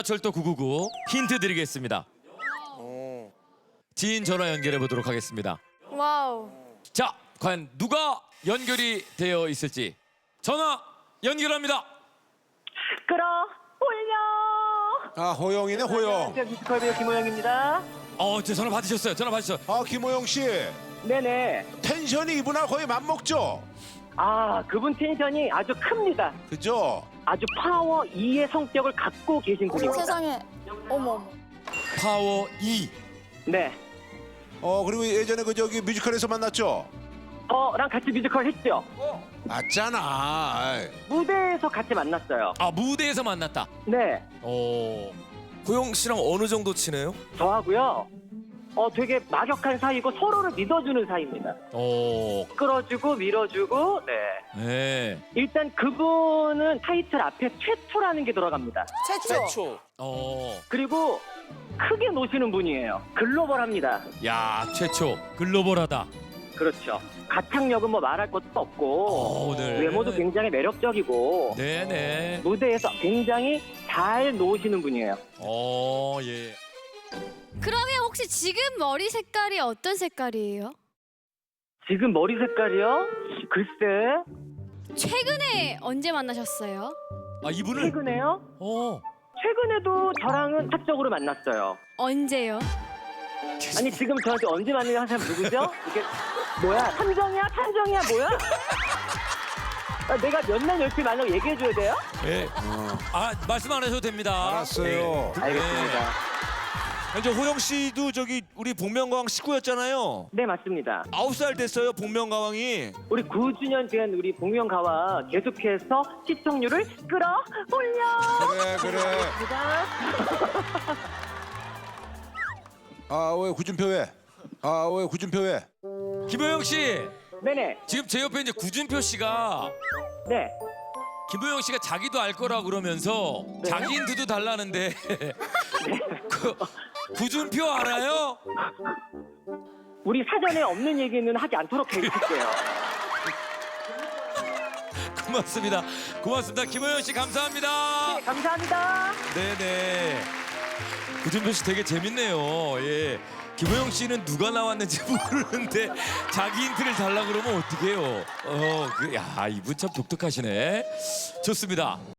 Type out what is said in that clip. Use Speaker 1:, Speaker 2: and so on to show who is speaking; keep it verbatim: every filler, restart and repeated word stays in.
Speaker 1: 철도 구구구 힌트 드리겠습니다. 지인 전화 연결해 보도록 하겠습니다.
Speaker 2: 와우.
Speaker 1: 자, 과연 누가 연결이 되어 있을지 전화 연결합니다.
Speaker 3: 끌어 올려.
Speaker 4: 아, 호영이네, 호영.
Speaker 3: 안녕하세요, 뮤지컬 배우 김호영입니다.
Speaker 1: 어, 제 전화 받으셨어요. 전화 받으셨어요.
Speaker 4: 아, 김호영 씨.
Speaker 3: 네네.
Speaker 4: 텐션이 이분하고 거의 맞먹죠?
Speaker 3: 아, 그분 텐션이 아주 큽니다.
Speaker 4: 그죠?
Speaker 3: 아주 파워 이의 성격을 갖고 계신 분입니다.
Speaker 2: 세상에. 어머 어머.
Speaker 1: 파워 이.
Speaker 3: 네.
Speaker 4: 어, 그리고 예전에 그 저기 뮤지컬에서 만났죠?
Speaker 3: 저랑 같이 뮤지컬 했죠.
Speaker 4: 맞잖아. 아이.
Speaker 3: 무대에서 같이 만났어요.
Speaker 1: 아, 무대에서 만났다.
Speaker 3: 네.
Speaker 1: 오.
Speaker 5: 호영 씨랑 어느 정도 친해요?
Speaker 3: 저하고요. 어, 되게 막역한 사이고 서로를 믿어주는 사이입니다.
Speaker 1: 오.
Speaker 3: 끌어주고 밀어주고. 네.
Speaker 1: 네.
Speaker 3: 일단 그분은 타이틀 앞에 최초라는 게 들어갑니다.
Speaker 2: 최초.
Speaker 5: 최초.
Speaker 1: 어.
Speaker 3: 그리고 크게 노시는 분이에요. 글로벌합니다.
Speaker 1: 야, 최초. 글로벌하다.
Speaker 3: 그렇죠. 가창력은 뭐 말할 것도 없고
Speaker 1: 어, 네.
Speaker 3: 외모도 굉장히 매력적이고
Speaker 1: 네네.
Speaker 3: 무대에서 굉장히 잘 노시는 분이에요.
Speaker 1: 어, 예.
Speaker 2: 그러면 혹시 지금 머리 색깔이 어떤 색깔이에요?
Speaker 3: 지금 머리 색깔이요? 글쎄
Speaker 2: 최근에 언제 만나셨어요?
Speaker 1: 아, 이분을.
Speaker 3: 최근에요?
Speaker 1: 어.
Speaker 3: 최근에도 저랑은 사적으로 만났어요.
Speaker 2: 언제요?
Speaker 3: 아니 지금 저한테 언제 만나냐 하는 사람 누구죠? 이게 뭐야? 탐정이야? 탐정이야? 뭐야? 아, 내가 몇 년 열심히 만나고 얘기해줘야 돼요?
Speaker 1: 예. 아, 말씀 안 하셔도 됩니다.
Speaker 4: 알았어요.
Speaker 1: 예.
Speaker 3: 알겠습니다.
Speaker 5: 이제 호영 씨도 저기 우리 복면가왕 식구였잖아요.
Speaker 3: 네 맞습니다.
Speaker 5: 아홉 살 됐어요, 복면가왕이.
Speaker 3: 우리 구 주년 된 우리 복면가와 계속해서 시청률을 끌어올려.
Speaker 4: 그래, 그래.
Speaker 3: 감사합니다.
Speaker 4: 아, 왜 구준표 왜? 아, 왜 구준표 왜?
Speaker 1: 김호영 씨.
Speaker 3: 네네.
Speaker 1: 지금 제 옆에 이제 구준표 씨가
Speaker 3: 네.
Speaker 1: 김호영 씨가 자기도 알 거라 그러면서
Speaker 3: 네.
Speaker 1: 자기 힌트도 달라는데 그, 구준표 알아요?
Speaker 3: 우리 사전에 없는 얘기는 하지 않도록 해주실게요.
Speaker 1: 고맙습니다. 고맙습니다. 김호영 씨 감사합니다.
Speaker 3: 네, 감사합니다.
Speaker 1: 네네. 구준표 씨 되게 재밌네요. 예. 김호영 씨는 누가 나왔는지 모르는데 자기 힌트를 달라 그러면 어떡해요? 어, 그, 야, 이분 참 독특하시네. 좋습니다.